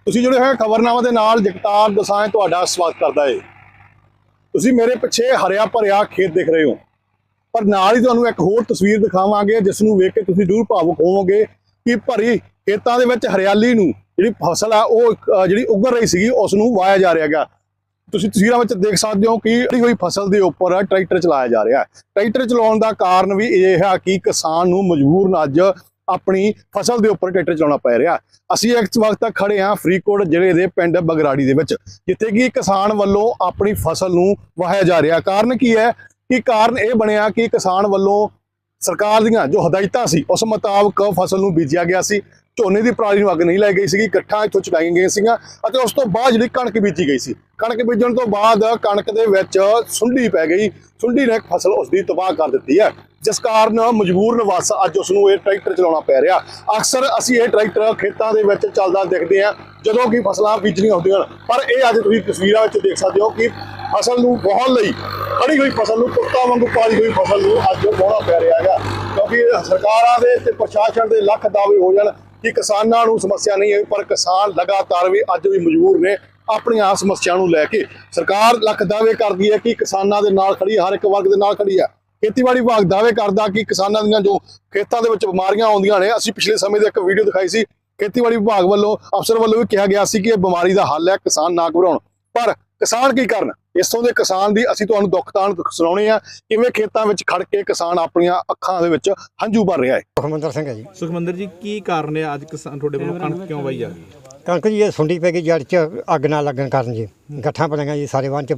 ਤੁਸੀਂ जुड़े हुए खबरनामा ਦੇ ਨਾਲ ਜਗਤਾਰ ਦਸਾਂਝ ਤੁਹਾਡਾ ਸਵਾਗਤ ਕਰਦਾ ਹੈ। ਤੁਸੀਂ ਮੇਰੇ ਪਿੱਛੇ ਹਰਿਆ ਭਰਿਆ ਖੇਤ ਦੇਖ ਰਹੇ ਹੋ, ਪਰ ਨਾਲ ਹੀ ਤੁਹਾਨੂੰ ਇੱਕ ਹੋਰ ਤਸਵੀਰ ਦਿਖਾਵਾਂਗੇ ਜਿਸ ਨੂੰ ਵੇਖ ਕੇ ਤੁਸੀਂ ਜ਼ਰੂਰ ਭਾਵੁਕ ਹੋਵੋਗੇ ਕਿ ਭਰੀ ਖੇਤਾਂ ਦੇ ਵਿੱਚ ਹਰਿਆਲੀ ਨੂੰ ਜਿਹੜੀ ਫਸਲ ਆ ਉਹ ਜਿਹੜੀ ਉੱਗਰ ਰਹੀ ਸੀਗੀ ਉਸ ਨੂੰ ਵਾਇਆ ਜਾ ਰਿਹਾ ਹੈਗਾ। ਤੁਸੀਂ ਤਸਵੀਰਾਂ ਵਿੱਚ ਦੇਖ ਸਕਦੇ ਹੋ ਕਿ ਜਿਹੜੀ ਹੋਈ ਫਸਲ ਦੇ ਉੱਪਰ ਟਰੈਕਟਰ ਚਲਾਇਆ ਜਾ ਰਿਹਾ ਹੈ। ਟਰੈਕਟਰ ਚਲਾਉਣ ਦਾ ਕਾਰਨ ਵੀ ਇਹ ਹੈ ਕਿ ਕਿਸਾਨ ਨੂੰ ਮਜਬੂਰਨ ਅੱਜ ਆਪਣੀ ਫਸਲ ਦੇ ਉੱਪਰ ਟਰੈਕਟਰ ਚਲਾਉਣਾ ਪੈ ਰਿਹਾ। ਅਸੀਂ ਇਸ ਵਕਤ ਖੜੇ ਹਾਂ ਫਰੀਦਕੋਟ ਜ਼ਿਲ੍ਹੇ ਦੇ ਪਿੰਡ ਬਗਰਾੜੀ ਦੇ ਵਿੱਚ, ਜਿੱਥੇ ਕਿ ਕਿਸਾਨ ਵੱਲੋਂ ਆਪਣੀ ਫਸਲ ਨੂੰ ਵਾਹਿਆ ਜਾ ਰਿਹਾ। ਕਾਰਨ ਕੀ ਹੈ ਕਿ ਕਾਰਨ ਇਹ ਬਣਿਆ ਕਿ ਕਿਸਾਨ ਵੱਲੋਂ ਸਰਕਾਰ ਦੀਆਂ ਜੋ ਹਦਾਇਤਾਂ ਸੀ ਉਸ ਮੁਤਾਬਕ ਫਸਲ ਨੂੰ ਬੀਜਿਆ ਗਿਆ ਸੀ। ਝੋਨੇ ਦੀ ਪਰਾਲੀ ਨੂੰ ਅੱਗ ਨਹੀਂ ਲਾਈ ਗਈ ਸੀਗੀ, ਗੱਠਾਂ ਇੱਥੋਂ ਚੁਕਾਈਆਂ ਗਈਆਂ ਸੀਗੀਆਂ ਅਤੇ ਉਸ ਤੋਂ ਬਾਅਦ ਜਿਹੜੀ ਕਣਕ ਬੀਜੀ ਗਈ ਸੀ। ਕਣਕ ਬੀਜਣ ਤੋਂ ਬਾਅਦ ਕਣਕ ਦੇ ਵਿੱਚ ਸੁੰਡੀ ਪੈ ਗਈ। ਸੁੰਡੀ ਨੇ ਫਸਲ ਉਸ ਦੀ ਤਬਾਹ ਕਰ ਦਿੱਤੀ ਹੈ, ਜਿਸ ਕਾਰਨ ਮਜਬੂਰਨ ਵਸ ਅੱਜ ਉਸ ਨੂੰ ਇਹ ਟਰੈਕਟਰ ਚਲਾਉਣਾ ਪੈ ਰਿਹਾ। ਅਕਸਰ ਅਸੀਂ ਇਹ ਟਰੈਕਟਰ ਖੇਤਾਂ ਦੇ ਵਿੱਚ ਚੱਲਦਾ ਦੇਖਦੇ ਹਾਂ ਜਦੋਂ ਕਿ ਫਸਲਾਂ ਬੀਜਣੀਆਂ ਹੁੰਦੀਆਂ ਹਨ, ਪਰ ਇਹ ਅੱਜ ਤੁਸੀਂ ਤਸਵੀਰਾਂ ਵਿੱਚ ਦੇਖ ਸਕਦੇ ਹੋ ਕਿ ਫਸਲ ਨੂੰ ਵਾਹਣ ਲਈ ਖੜੀ ਹੋਈ ਫਸਲ ਨੂੰ ਕੁੱਤਾ ਵਾਂਗੂ ਪਾਲੀ ਹੋਈ ਫਸਲ ਨੂੰ ਅੱਜ ਵਾਹੁਣਾ ਪੈ ਰਿਹਾ ਹੈਗਾ, ਕਿਉਂਕਿ ਸਰਕਾਰਾਂ ਦੇ ਤੇ ਪ੍ਰਸ਼ਾਸਨ ਦੇ ਲੱਖ ਦਾਅਵੇ ਹੋ ਜਾਣ ਕਿ ਕਿਸਾਨਾਂ ਨੂੰ ਸਮੱਸਿਆ ਨਹੀਂ ਹੈ, ਪਰ ਕਿਸਾਨ ਲਗਾਤਾਰ ਵੀ ਅੱਜ ਵੀ ਮਜਬੂਰ ਨੇ ਆਪਣੀਆਂ ਸਮੱਸਿਆ ਨੂੰ ਲੈ ਕੇ। ਸਰਕਾਰ ਲੱਖ ਦਾਅਵੇ ਕਰਦੀ ਹੈ ਕਿ ਕਿਸਾਨਾਂ ਦੇ ਨਾਲ ਖੜੀ, ਹਰ ਇੱਕ ਵਰਗ ਦੇ ਨਾਲ ਖੜੀ ਹੈ। ਖੇਤੀਬਾੜੀ ਵਿਭਾਗ ਦਾਅਵੇ ਕਰਦਾ ਕਿ ਕਿਸਾਨਾਂ ਦੀਆਂ ਜੋ ਖੇਤਾਂ ਦੇ ਵਿੱਚ ਬਿਮਾਰੀਆਂ ਆਉਂਦੀਆਂ ਨੇ, ਅਸੀਂ ਪਿਛਲੇ ਸਮੇਂ ਦੇ ਇੱਕ ਵੀਡੀਓ ਦਿਖਾਈ ਸੀ, ਖੇਤੀਬਾੜੀ ਵਿਭਾਗ ਵੱਲੋਂ ਅਫਸਰ ਵੱਲੋਂ ਵੀ ਕਿਹਾ ਗਿਆ ਸੀ ਕਿ ਇਹ ਬਿਮਾਰੀ ਦਾ ਹੱਲ ਹੈ, ਕਿਸਾਨ ਨਾ ਘਬਰਾਉਣ। ਪਰ ਕਿਸਾਨ ਕੀ ਕਰਨ? ਇਸੋਂ ਦੇ ਕਿਸਾਨ ਦੀ ਅਸੀਂ ਤੁਹਾਨੂੰ ਦੁੱਖ ਤਾਣ ਸੁਣਾਉਣੇ ਆ, ਕਿਵੇਂ ਖੇਤਾਂ ਵਿੱਚ ਖੜ ਕੇ ਕਿਸਾਨ ਆਪਣੀਆਂ ਅੱਖਾਂ ਦੇ ਵਿੱਚ ਹੰਝੂ ਭਰ ਰਿਹਾ ਹੈ। ਸੁਖਮੰਦਰ ਸਿੰਘ ਹੈ ਜੀ। ਸੁਖਮੰਦਰ ਜੀ, ਕੀ ਕਾਰਨ ਹੈ ਅੱਜ ਕਿਸਾਨ ਤੁਹਾਡੇ ਵੱਲੋਂ ਕਣਕ ਕਿਉਂ ਵਾਈ ਜਾ ਰਹੀ ਹੈ? ਕਣਕ ਜੀ ਇਹ ਸੁੰਡੀ ਪੈ ਗਈ ਜੜ 'ਚ, ਅੱਗ ਨਾ ਲੱਗਣ ਕਾਰਨ ਜੀ। ਗੱਠਾਂ ਬਣੀਆਂ ਜੀ ਸਾਰੇ ਵਾਹਨ 'ਚ।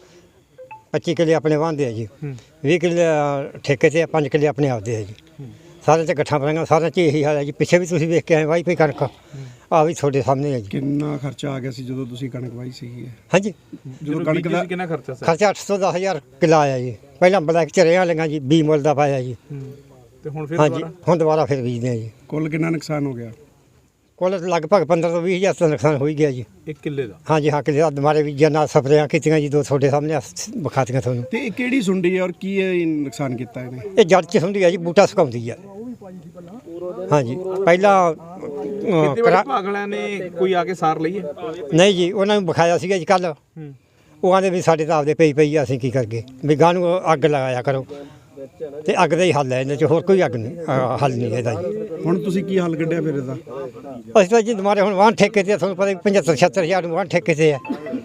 25 ਕਿੱਲੇ ਆਪਣੇ ਵਾਹਦੇ ਆ ਜੀ, 20 ਕਿੱਲੇ ਠੇਕੇ ਤੇ, 5 ਕਿੱਲੇ ਆਪਣੇ ਆਪਦੇ ਆ ਜੀ। ਸਾਰਿਆਂ 'ਚ ਗੱਠਾਂ ਬਣੀਆਂ, ਸਾਰਿਆਂ 'ਚ ਇਹੀ ਹਾਲ ਹੈ ਜੀ। ਪਿੱਛੇ ਵੀ ਤੁਸੀਂ ਵੇਖ ਕੇ ਆਏ ਵਾਈ ਪਈ ਕਣਕ, ਆ ਵੀ ਤੁਹਾਡੇ ਸਾਹਮਣੇ ਹੈ ਜੀ। ਕਿੰਨਾ ਖਰਚਾ ਆ ਗਿਆ ਸੀ ਜਦੋਂ ਤੁਸੀਂ ਕਣਕ ਵਾਈ ਸੀਗੀ? ਹਾਂਜੀ, ਜਦੋਂ ਕਣਕ ਦਾ ਕਿੰਨਾ ਖਰਚਾ ਸੀ? ਖਰਚਾ 800 10,000 ਕਿੱਲਾ ਆਇਆ ਜੀ। ਪਹਿਲਾਂ ਬਲੈਕ ਚ ਰਿਆਂ ਲਈਆਂ ਜੀ, 20 ਮੁੱਲ ਦਾ ਪਾਇਆ ਜੀ। ਤੇ ਹੁਣ ਫਿਰ ਹਾਂਜੀ, ਹੁਣ ਦੁਬਾਰਾ ਫਿਰ ਬੀਜਦੇ ਆ ਜੀ। ਕੁੱਲ ਕਿੰਨਾ ਨੁਕਸਾਨ ਹੋ ਗਿਆ? ਕੁੱਲ ਲਗਭਗ 15 ਤੋਂ 20,000 ਦਾ ਨੁਕਸਾਨ ਹੋ ਹੀ ਗਿਆ ਜੀ। 1 ਕਿੱਲੇ ਦਾ? ਹਾਂਜੀ ਹਾਂ, ਕਿੱਲੇ ਦਾ ਦੁਬਾਰੇ ਬੀਜਿਆ, ਨਾਲ ਸਪਰੇਆਂ ਕੀਤੀਆਂ ਜੀ, ਦੋ ਤੁਹਾਡੇ ਸਾਹਮਣੇ ਵਿਖਾਤੀਆਂ ਤੁਹਾਨੂੰ। ਤੇ ਇਹ ਕਿਹੜੀ ਸੁੰਡੀ ਹੈ ਔਰ ਕੀ ਇਹ ਨੁਕਸਾਨ ਕੀਤਾ ਇਹਨੇ? ਇਹ ਜੜ 'ਚ ਹੁੰਦੀ ਆ ਜੀ, ਬੂਟਾ ਸੁਕਾਉਂਦੀ ਆ। ਹਾਂਜੀ, ਪਹਿਲਾਂ ਖੇਤੀਬਾੜੀ ਵਿਭਾਗ ਵਾਲਿਆਂ ਨੇ ਕੋਈ ਆ ਕੇ ਸਾਰ ਲਈ ਹੈ? ਨਹੀਂ ਜੀ, ਉਹਨਾਂ ਨੂੰ ਵਿਖਾਇਆ ਸੀਗਾ ਜੀ ਕੱਲ। ਉਹ ਆਂਦੇ ਵੀ ਸਾਡੇ ਤਾਂ ਆਪਦੇ ਪਈ ਆ, ਅਸੀਂ ਕੀ ਕਰਗੇ, ਵੀ ਗਾਂ ਨੂੰ ਅੱਗ ਲਗਾਇਆ ਕਰੋ। ਤੇ ਅੱਗ ਦਾ ਹੀ ਹੱਲ ਹੈ ਇਹਨਾਂ 'ਚ, ਹੋਰ ਕੋਈ ਅੱਗ ਨਹੀਂ, ਹੱਲ ਨਹੀਂ ਇਹਦਾ ਜੀ। ਹੁਣ ਤੁਸੀਂ ਕੀ ਹੱਲ ਕੱਢਿਆ ਫਿਰ ਇਹਦਾ? ਅਸੀਂ ਤਾਂ ਜੀ ਦੁਬਾਰੇ ਹੁਣ ਵਾਹਨ ਠੇਕੇ ਤੇ, ਤੁਹਾਨੂੰ ਪਤਾ 75-76 ਹਜ਼ਾਰ ਨੂੰ ਵਾਹਨ ਠੇਕੇ ਤੇ ਆ।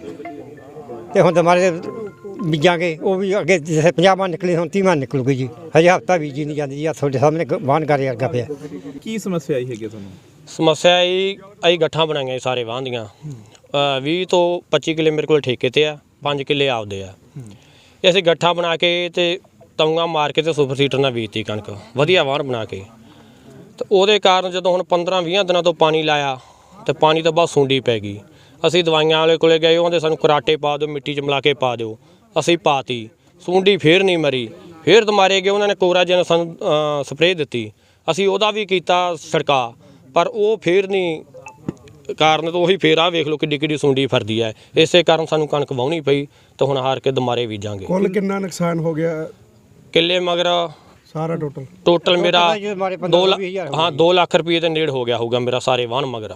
ਤੇ ਹੁਣ ਦੁਬਾਰੇ ਬੀਜਾਂਗੇ, ਉਹ ਵੀ ਅੱਗੇ ਜਿਵੇਂ 50 ਮਣ ਨਿਕਲੀ, ਹੁਣ 30 ਮਣ ਨਿਕਲੂਗੀ ਜੀ। ਹਜੇ ਹਫ਼ਤਾ ਬੀਜੀ ਨਹੀਂ ਜਾਂਦੀ ਜੀ। ਆ ਤੁਹਾਡੇ ਸਾਹਮਣੇ ਵਾਹਨ ਗਾਰੇ ਵਰਗਾ ਪਿਆ। ਕੀ ਸਮੱਸਿਆ ਆਈ ਹੈਗੀ ਤੁਹਾਨੂੰ? ਸਮੱਸਿਆ ਇਹ ਅਸੀਂ ਗੱਠਾਂ ਬਣਾਈਆਂ ਸਾਰੇ ਵਾਹਨ ਦੀਆਂ। 20 ਤੋਂ 25 ਕਿੱਲੇ ਮੇਰੇ ਕੋਲ ਠੇਕੇ ਤੇ ਆ, 5 ਕਿੱਲੇ ਆਪਦੇ ਆ। ਇਹ ਅਸੀਂ ਗੱਠਾਂ ਬਣਾ ਕੇ ਤੇ ਤੌਂਗਾ ਮਾਰ ਕੇ ਤੇ ਸੁਪਰ ਸੀਟਰ ਨਾਲ ਬੀਜਤੀ ਕਣਕ, ਵਧੀਆ ਵਾਹਨ ਬਣਾ ਕੇ। ਤੇ ਉਹਦੇ ਕਾਰਨ ਜਦੋਂ ਹੁਣ 15-20 ਦਿਨਾਂ ਤੋਂ ਪਾਣੀ ਲਾਇਆ ਤੇ ਪਾਣੀ ਤੋਂ ਬਾਅਦ ਸੁੰਡੀ ਪੈ ਗਈ। ਅਸੀਂ ਦਵਾਈਆਂ ਵਾਲੇ ਕੋਲੇ ਗਏ, ਉਹਦੇ ਸਾਨੂੰ ਕਰਾਟੇ ਪਾ ਦਿਓ, ਮਿੱਟੀ 'ਚ ਮਿਲਾ ਕੇ ਪਾ ਦਿਓ। ਅਸੀਂ ਪਾਤੀ, ਸੁੰਡੀ ਫੇਰ ਨਹੀਂ ਮਰੀ, ਫੇਰ ਦੁਬਾਰੇ ਗਏ, ਉਹਨਾਂ ਨੇ ਕੋਰਾਜਨ ਸਾਨੂੰ ਸਪਰੇਅ ਦਿੱਤੀ। ਅਸੀਂ ਉਹਦਾ ਵੀ ਕੀਤਾ ਛਿੜਕਾ, ਪਰ ਉਹ ਫੇਰ ਨਹੀਂ ਕਾਰਨ ਤੋਂ ਉਹੀ ਫੇਰ ਆ ਵੇਖ ਲਓ ਕਿੱਡੀ ਕਿੱਡੀ ਸੁੰਡੀ ਫਰਦੀ ਹੈ। ਇਸੇ ਕਾਰਨ ਸਾਨੂੰ ਕਣਕ ਵਾਹੁਣੀ ਪਈ ਤੇ ਹੁਣ ਹਾਰ ਕੇ ਦੁਬਾਰੇ ਬੀਜਾਂਗੇ। ਕੁੱਲ ਕਿੰਨਾ ਨੁਕਸਾਨ ਹੋ ਗਿਆ ਕਿੱਲੇ ਮਗਰ ਸਾਰਾ ਟੋਟਲ ਮੇਰਾ 2 ਲੱਖ ਰੁਪਏ ਦੇ ਨੇੜ ਹੋ ਗਿਆ ਹੋਊਗਾ ਮੇਰਾ ਸਾਰੇ ਵਾਹਨ ਮਗਰ।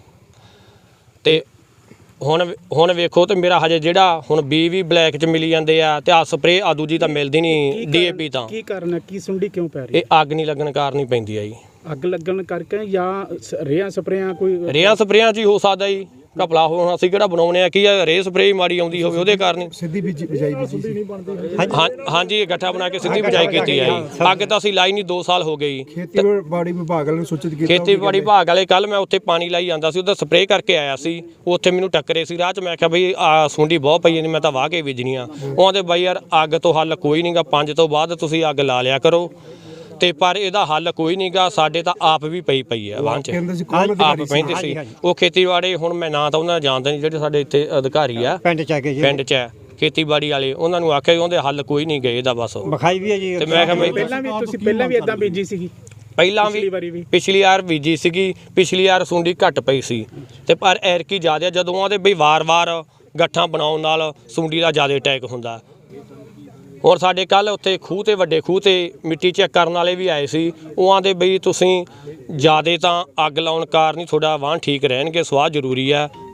ਤੇ ਹੁਣ ਵੇਖੋ ਤੇ ਮੇਰਾ ਹਜੇ ਜਿਹੜਾ ਹੁਣ ਬੀ ਵੀ ਬਲੈਕ 'ਚ ਮਿਲੀ ਜਾਂਦੇ ਆ ਤੇ ਆ ਸਪਰੇਅ ਆ ਦੂਜੀ ਤਾਂ ਮਿਲਦੀ ਨਹੀਂ, DAP ਤਾਂ। ਕੀ ਕਾਰਨ ਹੈ, ਕੀ ਸੁੰਡੀ ਕਿਉਂ ਪੈ ਰਹੀ? ਇਹ ਅੱਗ ਨਹੀਂ ਲੱਗਣ ਕਾਰਨ ਹੀ ਪੈਂਦੀ ਆ ਜੀ। ਅੱਗ ਲੱਗਣ ਕਰਕੇ ਜਾਂ ਰੇਹਾਂ ਸਪਰੇਆਂ? ਕੋਈ ਰੇਹਾਂ ਸਪਰੇਆਂ 'ਚ ਹੀ ਹੋ ਸਕਦਾ ਜੀ, ਘਪਲਾ ਹੁਣ ਅਸੀਂ ਕਿਹੜਾ ਬਣਾਉਣੇ ਆ, ਕੀ ਆ ਰੇ ਸਪਰੇਅ ਮਾੜੀ ਆਉਂਦੀ ਹੋਵੇ ਉਹਦੇ ਕਾਰਨ। ਸਿੱਧੀ ਬਿਜਾਈ ਬੀਜੀ ਸੀ? ਹਾਂਜੀ, ਇਹ ਗੱਠਾ ਬਣਾ ਕੇ ਸਿੱਧੀ ਬਿਜਾਈ ਕੀਤੀ ਆ ਜੀ। ਅੱਗ ਤਾਂ ਅਸੀਂ ਲਾਈ ਨਹੀਂ, 2 ਸਾਲ ਹੋ ਗਏ ਜੀ। ਖੇਤੀਬਾੜੀ ਵਿਭਾਗ ਵਾਲੇ ਨੂੰ ਸੂਚਿਤ ਕੀਤਾ? ਖੇਤੀਬਾੜੀ ਵਿਭਾਗ ਵਾਲੇ ਕੱਲ ਮੈਂ ਉੱਥੇ ਪਾਣੀ ਲਾਈ ਜਾਂਦਾ ਸੀ, ਉਹਦਾ ਸਪਰੇਅ ਕਰਕੇ ਆਇਆ ਸੀ। ਉੱਥੇ ਮੈਨੂੰ ਟੱਕਰੇ ਸੀ ਰਾਹ 'ਚ। ਮੈਂ ਕਿਹਾ ਬਈ ਆ ਸੁੰਡੀ ਬਹੁਤ ਪਈ ਜਾਂਦੀ, ਮੈਂ ਤਾਂ ਵਾਹ ਕੇ ਬੀਜਣੀ ਆ। ਉਹਦੇ ਬਾਈ ਯਾਰ ਅੱਗ ਤੋਂ ਹੱਲ ਕੋਈ ਨਹੀਂਗਾ, 5 ਤੋਂ ਬਾਅਦ ਤੁਸੀਂ ਅੱਗ ਲਾ ਲਿਆ ਕਰੋ। ਤੇ ਪਰ ਇਹਦਾ ਹੱਲ ਕੋਈ ਨਹੀਂਗਾ, ਸਾਡੇ ਤਾਂ ਆਪ ਵੀ ਪਈ ਆ ਵਾਹਨ 'ਚ, ਆਪ ਪੈਂਦੇ ਸੀ। ਉਹ ਖੇਤੀਬਾੜੀ ਹੁਣ ਮੈਂ ਨਾਂ ਤਾਂ ਉਹਨਾਂ ਜਾਣਦਾ ਨਹੀਂ, ਜਿਹੜੇ ਸਾਡੇ ਇੱਥੇ ਅਧਿਕਾਰੀ ਆ ਪਿੰਡ 'ਚ ਖੇਤੀਬਾੜੀ ਵਾਲੇ, ਉਹਨਾਂ ਨੂੰ ਆਖਿਆ ਉਹਦੇ ਹੱਲ ਕੋਈ ਨਹੀਂ ਗਏ ਇਹਦਾ ਬਸ ਵਿਖਾਈ ਵੀ ਹੈ ਜੀ। ਤੇ ਮੈਂ ਕਿਹਾ ਪਹਿਲਾਂ ਵੀ ਇਦਾਂ ਬੀਜੀ ਸੀਗੀ? ਪਹਿਲਾਂ ਵੀ ਪਿਛਲੀ ਵਾਰ ਬੀਜੀ ਸੀਗੀ, ਪਿਛਲੀ ਵਾਰ ਸੁੰਡੀ ਘੱਟ ਪਈ ਸੀ ਤੇ ਪਰ ਐਰਕੀ ਜ਼ਿਆਦਾ। ਜਦੋਂ ਉਹਦੇ ਬਈ ਵਾਰ-ਵਾਰ ਗੱਠਾਂ ਬਣਾਉਣ ਨਾਲ ਸੁੰਡੀ ਦਾ ਜ਼ਿਆਦਾ ਅਟੈਕ ਹੁੰਦਾ। और साढ़े कल उत्थे खूह ते वड्डे खूह ते मिट्टी चेक करने वाले भी आए सी। वो आंदे बई तुसीं ज़्यादा तां अग लाउण कारन ही थोड़ा वाहन ठीक रहणगे, सुआह जरूरी है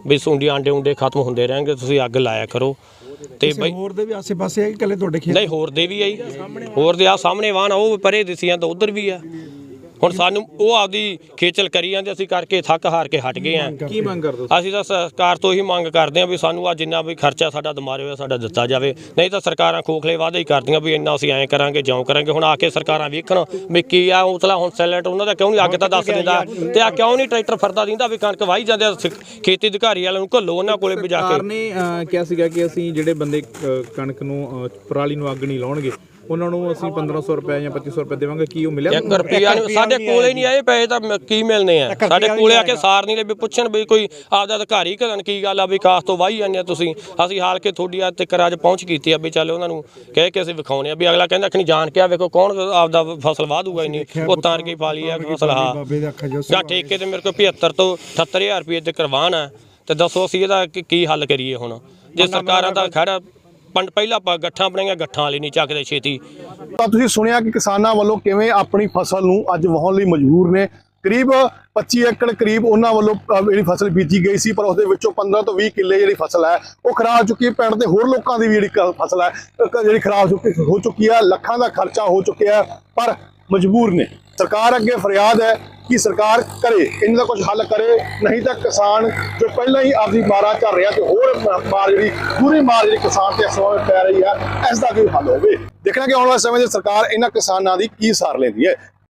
ਵੀ ਸੁੰਡੀ ਆਂਡੇ ਉਂਡੇ ਖਤਮ ਹੁੰਦੇ ਰਹਿਣਗੇ, ਤੁਸੀਂ ਅੱਗ ਲਾਇਆ ਕਰੋ। ਤੇ ਬਈ ਹੋਰ ਦੇ ਵੀ ਆਸੇ-ਪਾਸੇ ਹੈ ਕਿ ਇਕੱਲੇ ਤੁਹਾਡੇ ਖੇਤ? ਨਹੀਂ, ਹੋਰ ਦੇ ਵੀ ਆਈ, ਹੋਰ ਦੇ ਆ ਸਾਹਮਣੇ ਵਾਹਨ ਉਹ ਪਰੇ ਦਿਸੀਆਂ ਤਾਂ ਉਧਰ ਵੀ ਆ। ਹੁਣ ਸਾਨੂੰ ਉਹ ਆਪਦੀ ਖੇਚਲ ਕਰੀ ਜਾਂਦੇ, ਅਸੀਂ ਕਰਕੇ ਥੱਕ ਹਾਰ ਕੇ ਹਟ ਗਏ ਆ। ਕੀ ਮੰਗ ਕਰਦੇ ਹੋ? ਅਸੀਂ ਤਾਂ ਸਰਕਾਰ ਤੋਂ ਹੀ ਮੰਗ ਕਰਦੇ ਹਾਂ ਵੀ ਸਾਨੂੰ ਆ ਜਿੰਨਾ ਵੀ ਖਰਚਾ ਸਾਡਾ ਦਿਮਾਗ ਹੋਇਆ ਸਾਡਾ ਦਿੱਤਾ ਜਾਵੇ, ਨਹੀਂ ਤਾਂ ਸਰਕਾਰਾਂ ਖੋਖਲੇ ਵਾਅਦੇ ਹੀ ਕਰਦੀਆਂ ਵੀ ਇੰਨਾ ਅਸੀਂ ਐਂ ਕਰਾਂਗੇ ਜਿਉਂ ਕਰਾਂਗੇ। ਹੁਣ ਆ ਕੇ ਸਰਕਾਰਾਂ ਵੇਖਣ ਵੀ ਕੀ ਆ ਉਤਲਾ ਹੁਣ ਸੈਲੈਂਟ ਉਹਨਾਂ ਦਾ ਕਿਉਂ ਨਹੀਂ ਅੱਗ ਤਾਂ ਦੱਸ ਦਿੰਦਾ, ਤੇ ਆ ਕਿਉਂ ਨਹੀਂ ਟਰੈਕਟਰ ਫਿਰਦਾ ਦਿੰਦਾ ਵੀ ਕਣਕ ਵਾਹੀ ਜਾਂਦੇ ਆ। ਖੇਤੀ ਅਧਿਕਾਰੀ ਵਾਲਿਆਂ ਨੂੰ ਘੱਲੋ ਉਹਨਾਂ ਕੋਲੇ ਵੀ ਜਾ ਸਰਕਾਰ ਕੇ। ਨੇ ਕਿਹਾ ਸੀਗਾ ਕਿ ਅਸੀਂ ਜਿਹੜੇ ਬੰਦੇ ਕਣਕ ਨੂੰ ਪਰਾਲੀ ਨੂੰ ਅੱਗ ਨਹੀਂ ਲਾਉਣਗੇ ਉਹਨਾਂ ਨੂੰ ਅਸੀਂ 1500 ਰੁਪਏ ਜਾਂ 2500 ਰੁਪਏ ਦੇਵਾਂਗੇ। ਕੀ ਉਹ ਮਿਲਿਆ? 1 ਰੁਪਿਆ ਨਹੀਂ ਸਾਡੇ ਕੋਲੇ ਨਹੀਂ ਆਏ ਪੈਸੇ, ਤਾਂ ਕੀ ਮਿਲਨੇ ਆ? ਸਾਡੇ ਕੋਲੇ ਆ ਕੇ ਸਾਰ ਨਹੀਂ ਲੈ ਵੀ ਪੁੱਛਣ ਵੀ ਕੋਈ ਆਪਦਾ ਅਧਿਕਾਰੀ ਕਰਨ ਕੀ ਗੱਲ ਆ ਵੀ ਕਾਸ ਤੋਂ ਵਾਹੀ ਜਾਂਦੇ ਆ ਤੁਸੀਂ। ਅਸੀਂ ਹਾਲ ਕੇ ਤੁਹਾਡੀ ਅੱਜ ਤੱਕ ਅੱਜ ਪਹੁੰਚ ਕੀਤੀ ਆ ਵੀ ਚੱਲ ਉਹਨਾਂ ਨੂੰ ਕਹਿ ਕੇ ਅਸੀਂ ਵਿਖਾਉਣੇ ਆ ਵੀ ਅਗਲਾ ਕਹਿੰਦਾ ਕਿ ਜਾਣ ਕੇ ਆ ਵੇਖੋ ਕੌਣ ਆਪਦਾ ਫਸਲ ਵਾਹ ਦੂਗਾ ਇੰਨੀ, ਉਹ ਤਾਰ ਕੇ ਪਾ ਲਈ ਆ ਫਸਲ। ਹਾਂ ਬਾਬੇ ਦੇ ਅੱਖਾਂ ਜੋ ਜਾਂ ਠੇਕੇ ਤੇ ਮੇਰੇ ਕੋਲ 75 ਤੋਂ 78000 ਰੁਪਏ ਤੇ ਕਰਵਾਨ ਆ, ਤੇ ਦੱਸੋ ਅਸੀਂ ਇਹਦਾ ਕੀ ਹੱਲ ਕਰੀਏ ਹੁਣ? ਜੇ ਸਰਕਾਰਾਂ ਦਾ ਖੜਾ ਪਹਿਲਾਂ ਆਪਾਂ ਗੱਠਾਂ ਬਣਾਈਆਂ, ਗੱਠਾਂ ਵਾਲੀ ਨਹੀਂ ਚੱਕਦੇ ਛੇਤੀ। ਤਾਂ ਤੁਸੀਂ ਸੁਣਿਆ ਕਿ ਕਿਸਾਨਾਂ ਵੱਲੋਂ ਕਿਵੇਂ ਆਪਣੀ ਫਸਲ ਨੂੰ ਅੱਜ ਵਾਹੁਣ ਲਈ ਮਜਬੂਰ ਨੇ। ਕਰੀਬ 25 ਏਕੜ ਕਰੀਬ ਉਹਨਾਂ ਵੱਲੋਂ ਜਿਹੜੀ ਫਸਲ ਬੀਜੀ ਗਈ ਸੀ, ਪਰ ਉਸ ਦੇ ਵਿੱਚੋਂ 15 ਤੋਂ 20 ਕਿੱਲੇ ਜਿਹੜੀ ਫਸਲ ਹੈ ਉਹ ਖਰਾਬ ਚੁੱਕੀ ਹੈ। ਪਿੰਡ ਦੇ ਹੋਰ ਲੋਕਾਂ ਦੀ ਵੀ ਜਿਹੜੀ ਫਸਲ ਹੈ ਜਿਹੜੀ ਖਰਾਬ ਹੋ ਚੁੱਕੀ ਹੈ। ਲੱਖਾਂ ਦਾ ਖਰਚਾ ਹੋ ਚੁੱਕਿਆ ਹੈ, ਪਰ ਮਜਬੂਰ ਨੇ। ਸਰਕਾਰ ਅੱਗੇ ਫਰਿਆਦ ਹੈ ਕਿ ਸਰਕਾਰ ਕਰੇ, ਇਹਨਾਂ ਦਾ ਕੁਝ ਹੱਲ ਕਰੇ, ਨਹੀਂ ਤਾਂ ਕਿਸਾਨ ਜੋ ਪਹਿਲਾਂ ਹੀ ਆਪਦੀ ਮਾਰਾਂ ਝੱਲ ਰਿਹਾ ਤੇ ਹੋਰ ਮਾਰ ਜਿਹੜੀ ਪੂਰੀ ਮਾਰ ਜਿਹੜੀ ਕਿਸਾਨ ਤੇ ਇਸ ਸਮੇਂ ਪੈ ਰਹੀ ਹੈ, ਇਸ ਦਾ ਕੋਈ ਹੱਲ ਹੋਵੇ। ਦੇਖਣਾ ਕਿ ਆਉਣ ਵਾਲੇ ਸਮੇਂ 'ਚ ਸਰਕਾਰ ਇਹਨਾਂ ਕਿਸਾਨਾਂ ਦੀ ਕੀ ਸਾਰ ਲੈਂਦੀ ਹੈ।